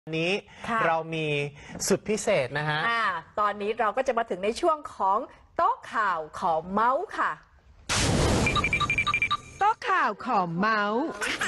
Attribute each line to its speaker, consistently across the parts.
Speaker 1: นี้เรามีสุดพิเศษนะฮะ
Speaker 2: ตอนนี้เราก็จะมาถึงในช่วงของโต๊ะข่าวขอเมาส์ค่ะ
Speaker 3: โต๊ะข่าวขอเมาส์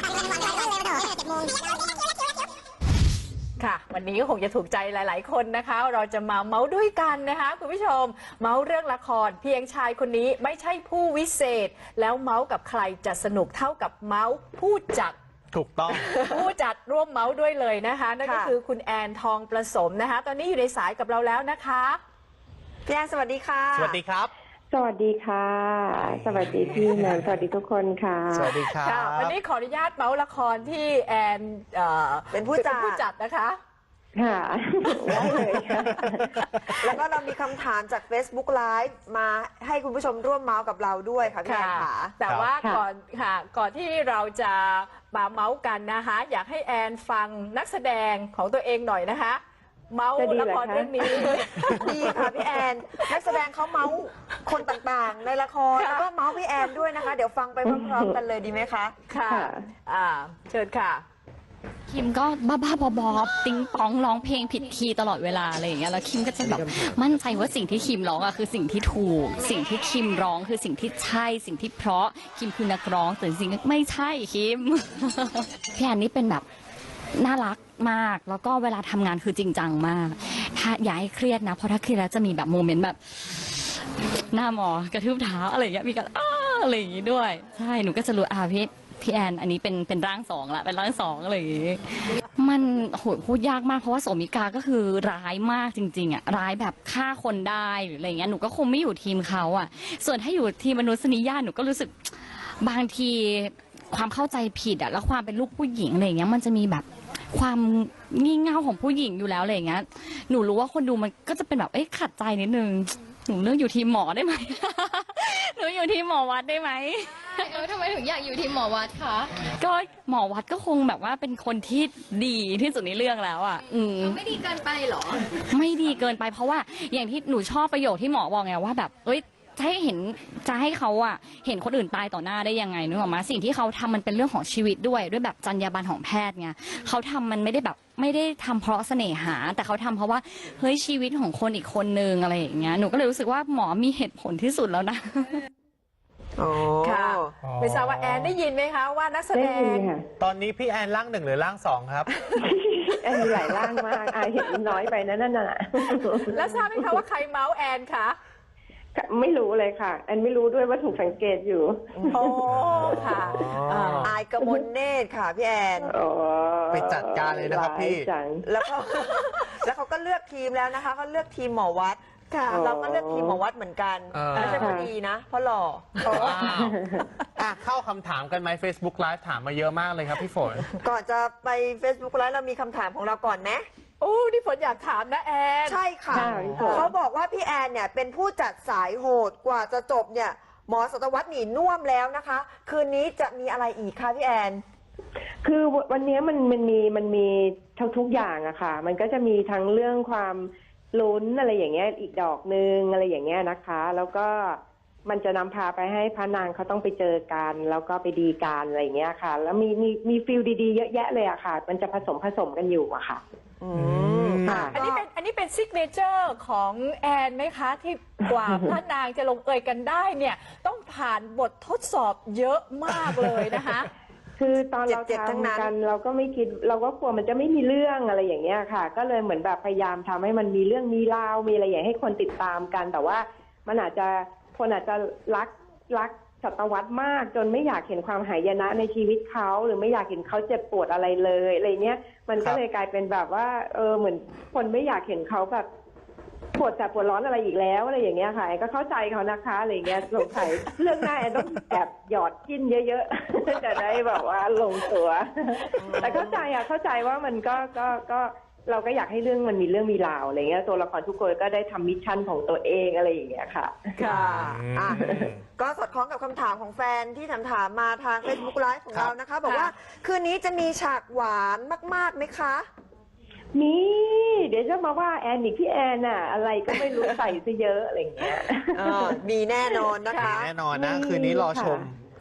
Speaker 2: ค่ะวันนี้ก็คงจะถูกใจหลายๆคนนะคะเราจะมาเมาส์ด้วยกันนะคะคุณผู้ชมเมาส์เรื่องละครเพียงชายคนนี้ไม่ใช่ผู้วิเศษแล้วเมาส์กับใครจะสนุกเท่ากับเมาส์ผู้จัด
Speaker 1: ถูกต้อง
Speaker 2: ผู้จัดร่วมเมาส์ด้วยเลยนะคะนั่นก็คือคุณแอนทองประสมนะคะตอนนี้อยู่ในสายกับเราแล้วนะคะพี่แอนสวัสดีค่ะ
Speaker 1: สวัสดีครับ
Speaker 4: สวัสดีค่ะสวัสดีพี่แนนสวัสดีทุกคนค่ะ
Speaker 1: สวัสดีครับ
Speaker 2: วันนี้ขออนุญาตเมาส์ละครที่แอนเป็นผู้จัดนะคะ
Speaker 4: ค่ะได้เลยค่ะ
Speaker 5: แล้วก็เรามีคำถามจาก Facebook Live มาให้คุณผู้ชมร่วมเมาส์กับเราด้วยค่ะพี่แอนค่ะ
Speaker 2: แต่ว่าก่อนที่เราจะมาเมาส์กันนะคะอยากให้แอนฟังนักแสดงของตัวเองหน่อยนะคะเมาส์ละครเรื่องนี้
Speaker 5: ดีค่ะพี่แอนนักแสดงเขาเมาส์คนต่างๆในละครแล้วก็เมาส์พี่แอนด้วยนะคะเดี๋ยวฟังไปพร้อมๆกันเลยดีไหมคะ
Speaker 2: ค่ะเชิญค่ะ
Speaker 6: คิมก็บ้าๆบอๆติ๊งปองร้องเพลงผิดคีย์ตลอดเวลาอะไรอย่างเงี้ยแล้วคิมก็จะแบบมั่นใจว่าสิ่งที่คิมร้องอะคือสิ่งที่ถูกสิ่งที่คิมร้องคือสิ่งที่ใช่สิ่งที่เพราะคิมคือนักร้องแต่จริงๆไม่ใช่คิมพี่แอนนี่เป็นแบบน่ารักมากแล้วก็เวลาทำงานคือจริงจังมากถ้าอย่าให้เครียดนะเพราะถ้าเครียดแล้วจะมีแบบโมเมนต์แบบหน้าหมอกระทืบเท้าอะไรอย่างเงี้ยมีการอะไรอย่างงี้ด้วยใช่หนูก็จะรู้พี่แอนอันนี้เป็นร่างสองละเป็นร่างสองอะไรอย่างงี้มันโหพูดยากมากเพราะว่าโสมิกาก็คือร้ายมากจริงๆอ่ะร้ายแบบฆ่าคนได้หรืออะไรเงี้ยหนูก็คงไม่อยู่ทีมเขาอ่ะส่วนถ้าอยู่ทีมมนุษยนิยามหนูก็รู้สึกบางทีความเข้าใจผิดอ่ะแล้วความเป็นลูกผู้หญิงอะไรเงี้ยมันจะมีแบบความงี่เง่าของผู้หญิงอยู่แล้วอะไรเงี้ยหนูรู้ว่าคนดูมันก็จะเป็นแบบขัดใจนิดนึงหนูเลือกอยู่ทีมหมอได้ไหม หนูอยู่ทีมหมอวัดได้ไหม
Speaker 7: ทำไมถึงอยากอยู่ทีมหมอวัดคะ
Speaker 6: ก็หมอวัดก็คงแบบว่าเป็นคนที่ดีที่สุดในเรื่องแล้วอ่ะ
Speaker 7: ไม่ดีเกินไปหรอ
Speaker 6: ไม่ดีเกินไปเพราะว่าอย่างที่หนูชอบประโยคที่หมอบอกไงว่าแบบจะให้เขาอ่ะเห็นคนอื่นตายต่อหน้าได้ยังไงนึกออกมาสิ่งที่เขาทำมันเป็นเรื่องของชีวิตด้วยแบบจรรยาบรรณของแพทย์ไงเขาทำมันไม่ได้ทำเพราะเสน่หาแต่เขาทำเพราะว่าเฮ้ยชีวิตของคนอีกคนนึงอะไรอย่างเงี้ยหนูก็เลยรู้สึกว่าหมอมีเหตุผลที่สุดแล้วนะ
Speaker 2: ค่ะไม่ทราบว่าแอนได้ยินไหมคะว่านักแสดง
Speaker 1: ตอนนี้พี่แอนร่างหนึ่งหรือร่างสองครับ
Speaker 4: แอนมีหลายร่างมากเห็นน้อยไปนั่นน่ะ
Speaker 2: แล้วทราบไหมคะว่าใครเมาส์แอนคะ
Speaker 4: ไม่รู้เลยค่ะแอนไม่รู้ด้วยว่าถูกสังเกตอยู่
Speaker 2: โอ้ค่ะ
Speaker 5: อายกมลเนตรค่ะพี่แอน
Speaker 1: ไปจัดการเลยนะครับพี่
Speaker 5: แล้วเขาก็เลือกทีมแล้วนะคะเขาเลือกทีมหมอวัดเราก็เลือกทีมหมอวัดเหมือนกันไม่ใช่พอดีนะเพราะหล่อ
Speaker 1: เข้าคำถามกันไหม Facebook Live ถามมาเยอะมากเลยครับพี่ฝน
Speaker 5: ก่อนจะไป Facebook Live เรามีคำถามของเราก่อนนะ
Speaker 2: โอ้นี่ฝนอยากถามนะแอน
Speaker 5: ใช่ค่ะเขาบอกว่าพี่แอนเนี่ยเป็นผู้จัดสายโหดกว่าจะจบเนี่ยหมอศตวรรษหนีน่วมแล้วนะคะคืนนี้จะมีอะไรอีกคะพี่แอน
Speaker 4: คือวันนี้มันมีทุกอย่างอะค่ะมันก็จะมีทั้งเรื่องความลุ้นอะไรอย่างเงี้ยอีกดอกนึงอะไรอย่างเงี้ยนะคะแล้วก็มันจะนำพาไปให้พระนางเขาต้องไปเจอกันแล้วก็ไปดีกันอะไรอย่างเงี้ยค่ะแล้วมีฟิลดีๆเยอะแยะเลยอะค่ะมันจะผสมกันอยู่อะค่ะ
Speaker 2: อันนี้เป็นซิกเนเจอร์ของแอนไหมคะที่กว่าพระนางจะลงเอยกันได้เนี่ยต้องผ่านบททดสอบเยอะมากเลยนะคะ
Speaker 4: คือตอนเราทำกันเราก็ไม่คิดเราก็กลัวมันจะไม่มีเรื่องอะไรอย่างเงี้ยค่ะก็เลยเหมือนแบบพยายามทำให้มันมีเรื่องมีราวมีอะไรอย่างให้คนติดตามกันแต่ว่ามันคนอาจจะรักศตวรรษมากจนไม่อยากเห็นความหายนะในชีวิตเขาหรือไม่อยากเห็นเขาเจ็บปวดอะไรเลยอะไรเนี้ยมันก็เลยกลายเป็นแบบว่าเหมือนคนไม่อยากเห็นเขาแบบปวดแสบปวดร้อนอะไรอีกแล้วอะไรอย่างเงี้ยค่ะก็เข้าใจเขานะคะอะไรเงี้ยสงสัยเรื่องหน้าต้องแอบหยอดจิ้นเยอะๆจะได้แบบว่าลงตัวแต่เข้าใจว่ามันก็เราก็อยากให้เรื่องมันมีเรื่องมีราวอะไรเงี้ยตัวละครทุกคนก็ได้ทำมิชชั่นของตัวเองอะไรอย่างเงี้ยค่ะ
Speaker 5: ก็สอดคล้องกับคำถามของแฟนที่ถามมาทาง Facebook Live ของเรานะคะบอกว่าคืนนี้จะมีฉากหวานมากๆไหมคะ
Speaker 4: เดี๋ยวจะมาว่าแอนอีกพี่แอนน่ะอะไรก็ไม่รู้ใส่ซะเยอะอะไรเงี้ย
Speaker 5: มีแน่นอนนะคะ
Speaker 1: แน่นอนนะคืนนี้รอชม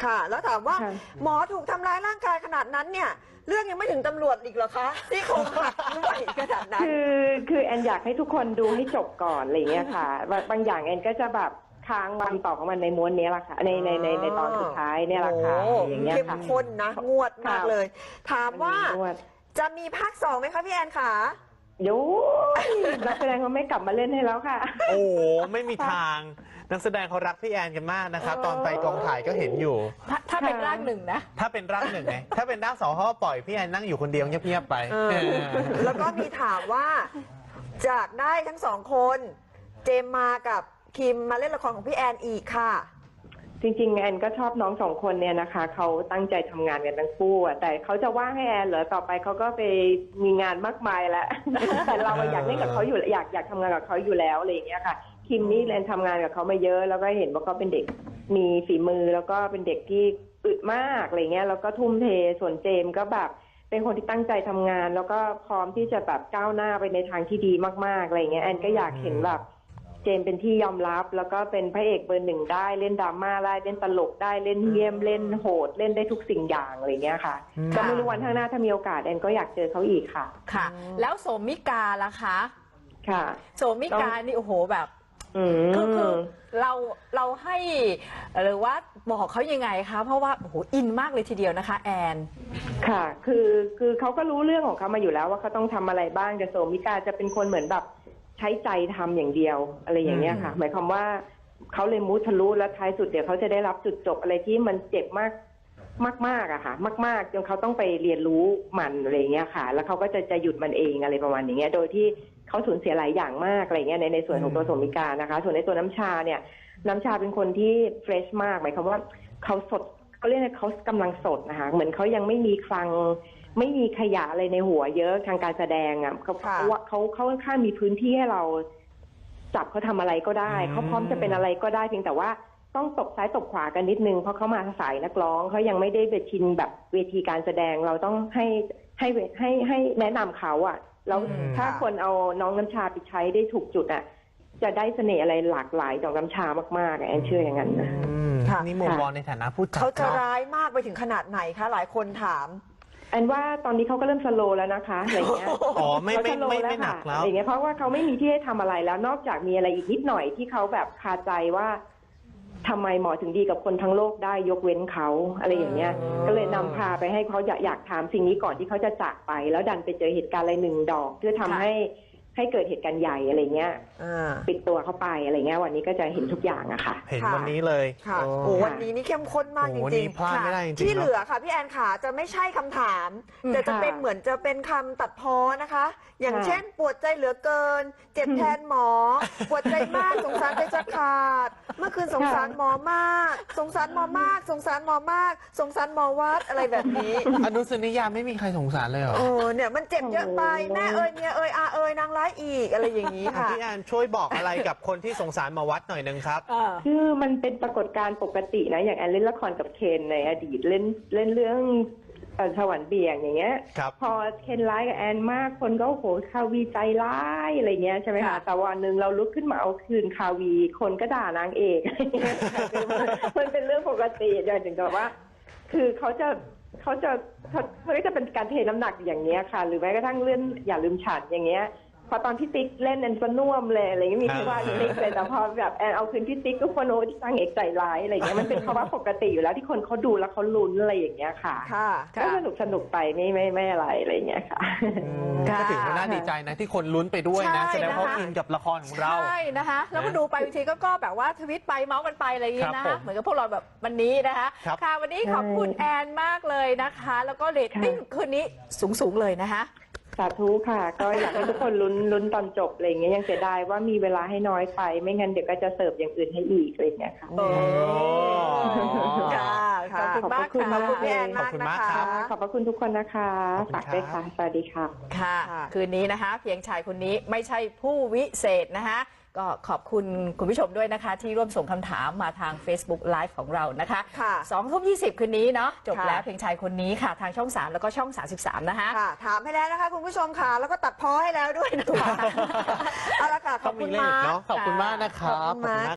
Speaker 5: ค่ะ แล้วถามว่า
Speaker 4: ค่ะ
Speaker 5: หมอถูกทำร้ายร่างกายขนาดนั้นเนี่ย เรื่องยังไม่ถึงตำรวจอีกเหรอคะที่โครงหักด้วยขนาดนั้น
Speaker 4: คือแอนอยากให้ทุกคนดูให้จบก่อนอะไรเงี้ยค่ะบางอย่างแอนก็จะแบบค้างวันต่อของมันในม้วนนี้แหละค่ะในตอนสุดท้ายเนี่ยแหละค่ะ
Speaker 5: โอ้
Speaker 4: อย่างเงี้ย
Speaker 5: เข้ม
Speaker 4: ค่ะ
Speaker 5: ข้นนะงวดมากเลย ถามว่า
Speaker 4: มันมีงวด
Speaker 5: จะมีภาค 2ไหมคะพี่แอนขา
Speaker 4: โย้นักแสดงเขาไม่กลับมาเล่นให้แล้วค่ะ
Speaker 1: โอ้โหไม่มีทางนักแสดงเขารักพี่แอนกันมากนะครับ ตอนไปกองถ่ายก็เห็นอยู่
Speaker 2: ถ้าเป็นร่างหนึ่งนะ
Speaker 1: ถ้าเป็นร่างหนึ่งไงถ้าเป็นร่างสองเขาก็ปล่อยพี่แอนนั่งอยู่คนเดียวเงียบๆไป
Speaker 5: แล้วก็มีถามว่าจากได้ทั้งสองคน เจมมากับคิมมาเล่นละครของพี่แอนอีกค่ะ
Speaker 4: จริงๆแอนก็ชอบน้องสองคนเนี่ยนะคะเขาตั้งใจทำงานกันทั้งคู่อะแต่เขาจะว่างให้แอนเหรอต่อไปเขาก็ไปมีงานมากมายแล้ว แต่เราอยากเล่นกับเขาอยู่อยากทำงานกับเขาอยู่แล้วอะไรอย่างเงี้ยค่ะคิมนี่แอนทำงานกับเขามาเยอะแล้วก็เห็นว่าเขาเป็นเด็กมีฝีมือแล้วก็เป็นเด็กที่อึดมากอะไรเงี้ยแล้วก็ทุ่มเทส่วนเจมก็แบบเป็นคนที่ตั้งใจทำงาน แล้วก็พร้อมที่จะแบบก้าวหน้าไปในทางที่ดีมากๆอะไรเงี้ยแอนก็อยากเห็นแบบเจมเป็นที่ยอมรับแล้วก็เป็นพระเอกเบอร์หนึ่งได้เล่นดราม่าได้เล่นตลกได้เล่นเยี่ยมเล่นโหดเล่นได้ทุกสิ่งอย่างอะไรเงี้ยค่ะก็ไม่รู้วันข้างหน้าถ้ามีโอกาสแอนก็อยากเจอเขาอีกค่ะ
Speaker 2: ค่ะ แล้วโสมิกาล่ะคะ
Speaker 4: ค่ะ
Speaker 2: โสมิกานี่โอ้โหแบบ
Speaker 4: ม
Speaker 2: คือเราให้หรือว่าบอกเขายังไงคะเพราะว่าโอ้โหอินมากเลยทีเดียวนะคะแอน
Speaker 4: ค่ะคือเขาก็รู้เรื่องของเขามาอยู่แล้วว่าเขาต้องทำอะไรบ้างแต่โสมิกาจะเป็นคนเหมือนแบบใช้ใจทำอย่างเดียวอะไรอย่างเงี้ยค่ะ หมายความว่าเขาเลยมุทะลุแล้วท้ายสุดเดี๋ยวเขาจะได้รับจุดจบอะไรที่มันเจ็บมากอะค่ะมากๆจนเขาต้องไปเรียนรู้มันอะไรอย่างเงี้ยค่ะ แล้วเขาก็จะหยุดมันเองอะไรประมาณอย่างเงี้ยโดยที่เขาสูญเสียหลายอย่างมากอะไรเงี้ยในส่วนของตัวโสมิกานะคะ ส่วนในตัวน้ำชาเนี่ยน้ำชาเป็นคนที่เฟรชมากหมายความว่าเขาสดเขาเรียกว่าเขากำลังสดนะคะเหมือนเขายังไม่มีคลังไม่มีขยะอะไรในหัวเยอะทางการแสดงอ่ะเขาค่อนข้างมีพื้นที่ให้เราจับเขาทำอะไรก็ได้เขาพร้อมจะเป็นอะไรก็ได้เพียงแต่ว่าต้องตบซ้ายตบขวากันนิดนึงเพราะเขามาสายนักร้องเขายังไม่ได้ไปชินแบบเวทีการแสดงเราต้องให้แนะนำเขาอ่ะแล้วถ้าคนเอาน้องน้ำชาไปใช้ได้ถูกจุดอ่ะจะได้เสน่ห์อะไรหลากหลายจากน้ำชามากๆแอนเชื่ออย่างนั้นนะ
Speaker 5: ค่ะ
Speaker 1: นี่มุมมองในฐานะผู้จัด
Speaker 5: เขาจะ
Speaker 1: เนอะ
Speaker 5: ร้ายมากไปถึงขนาดไหนคะหลายคนถาม
Speaker 4: แอนว่าตอนนี้เขาก็เริ่มสโลว์แล้วนะคะอะไรเงี้ย
Speaker 1: อ๋อไม่
Speaker 4: เขาสโลว์
Speaker 1: ไม่หนักแล้ว
Speaker 4: อะไรเงี้ยเพราะว่าเขาไม่มีที่ให้ทำอะไรแล้วนอกจากมีอะไรอีกนิดหน่อยที่เขาแบบคาใจว่าทำไมหมอถึงดีกับคนทั้งโลกได้ยกเว้นเขาอะไรอย่างเงี้ยก็เลยนำพาไปให้เขาอยากถามสิ่งนี้ก่อนที่เขาจะจากไป แล้วดันไปเจอเหตุการณ์อะไรหนึ่งดอกเพื่อทำให้เกิดเหตุการณ์ใหญ่อะไรเงี้ยปิดตัวเข้าไปอะไรเงี้ยวันนี้ก็จะเห็นทุกอย่างอะค่ะ
Speaker 1: เห็นวันนี้เลย
Speaker 5: ค่ะ
Speaker 1: โอ้
Speaker 5: โอ้วันนี้นี่เข้มข้นมากจ
Speaker 1: โอ้
Speaker 5: ริ
Speaker 1: นี่
Speaker 5: ง
Speaker 1: พลาดไม่ได้จริงๆ
Speaker 5: ที่
Speaker 1: เนอะ
Speaker 5: เหลือค่ะพี่แอนขาจะไม่ใช่คำถาม แต่จะเป็นเหมือนจะเป็นคำตัดพ้อนะคะ อย่างเช่นปวดใจเหลือเกิน เจ็บแทนหมอ ปวดใจมากสงสารใจจะขาด เมื่อคืนสงสารหมอมาก สงสารหมอมาก สงสารหมอมาก สงสารหมอวัดอะไรแบบนี้
Speaker 1: อนุสนิยามไม่มีใครสงสารเลยเหรอ
Speaker 5: เนี่ยมันเจ็บเยอะไปแม่เอ่ยเมียเอ่ยอาเอ่ยนางร้ายอีกอะไรอย่างนี้ค่ะ
Speaker 1: พี่แอนช่วยบอกอะไรกับคนที่สงสารหมาวัดหน่อยนึงครับ
Speaker 4: คือมันเป็นปรากฏการณ์ปกตินะอย่างแอนเล่นละครกับเคนในอดีตเล่นเรื่องสวรรค์เบี่ยงอย่างเงี้ย
Speaker 1: ครับ
Speaker 4: พอเคนร้ายกับแอนมากคนก็โอ้โหคาวีใจร้ายอะไรเงี้ยใช่ไหมคะแต่วันหนึ่งเราลุกขึ้นมาเอาคืนคาวีคนก็ด่านางเอก มันเป็นเรื่องปกติอย่างถึงกับว่า คือเขาจะมันก็จะเป็นการเทน้ำหนักอย่างเงี้ยค่ะ หรือแม้กระทั่งเรื่องอย่าลืมฉันอย่างเงี้ยพอตอนพี่ติ๊กเล่นแอนก็น่วมเลยอะไรเงี้ยมีที่ว่าพี่ติ๊กเลยแต่พอแบบแอนเอาคืนพี่ติ๊กก็คนโน้ตสร้างเอกใจร้ายอะไรเงี้ยมันเป็นภาวะปกติอยู่แล้วที่คนเขาดูแล้วเขาลุ้นอะไรอย่างเงี้ยค่ะ
Speaker 5: ค่ะ
Speaker 4: ก็สนุกไปไม่อะไรเงี้ยค่ะ
Speaker 1: ก็ถือว่าน่าดีใจนะที่คนลุ้นไปด้วยนะ
Speaker 2: ใช่
Speaker 1: แสดงว่า
Speaker 2: นะคะ
Speaker 1: อินกับละครของเรา
Speaker 2: ใช่นะคะแล้วก็ดูไปบางทีก็แบบว่าทวิตไปเมาส์กันไปอะไรอย่างงี้
Speaker 1: ครั
Speaker 2: นะ
Speaker 1: บผม
Speaker 2: เหมือนกับพวกเราแบบวันนี้นะคะ
Speaker 1: ครับ
Speaker 2: ค่ะวันนี้ขอบคุณแอนมากเลยนะคะ แล้วก็เรตติ้งคืนนี้สูงเลยนะคะ
Speaker 4: สาธุค่ะ ก็อยากให้ทุกคนลุ้นตอนจบอะไรเงี้ยยังเสียดายว่ามีเวลาให้น้อยไป ไม่งั้นเดี๋ยวก็จะเสิร์ฟอย่างอื่นให้อีกอะไรเงี้ยค่ะ
Speaker 2: โอ้
Speaker 5: ค่ะ
Speaker 2: ขอบคุณมากค่ะ
Speaker 5: ขอบคุณพี่แอน
Speaker 1: ขอบ
Speaker 5: มาก
Speaker 1: คุณ
Speaker 5: นะ
Speaker 1: มาก
Speaker 5: คะ
Speaker 1: ครับ
Speaker 4: ขอบพระคุณทุกคนนะคะ
Speaker 1: ขอบคุณ
Speaker 4: ฝากด้วย
Speaker 1: ครั
Speaker 4: ค่ะ
Speaker 1: บ
Speaker 4: สวัสดีค่ะ
Speaker 2: ค่ะ
Speaker 5: ค่ะ
Speaker 2: คืนนี้นะคะ เพียงชายคนนี้ไม่ใช่ผู้วิเศษนะคะ ก็ขอบคุณคุณผู้ชมด้วยนะคะ ที่ร่วมส่งคำถามมาทาง Facebook Live ของเรานะคะ
Speaker 5: ค่ะ
Speaker 2: 20:20 คืนนี้เนาะจบ
Speaker 5: ค่ะ
Speaker 2: แล้วเพียงชายคนนี้ค่ะ ทางช่อง 3 แล้วก็ช่อง 33 นะคะ
Speaker 5: ค่ะ ถามให้แล้วนะคะคุณผู้ชมค่ะ แล้วก็ตัดพ้อให้แล้วด้วยนะคะเอาละค่ะ ข
Speaker 1: ต้
Speaker 5: อ
Speaker 1: อบ ง
Speaker 5: คุ
Speaker 1: มี
Speaker 5: ณ
Speaker 1: เล่น
Speaker 5: มา
Speaker 1: อีก
Speaker 5: ก
Speaker 1: เนาะขอบคุณมากนะครับ
Speaker 5: ขอบคุณมาก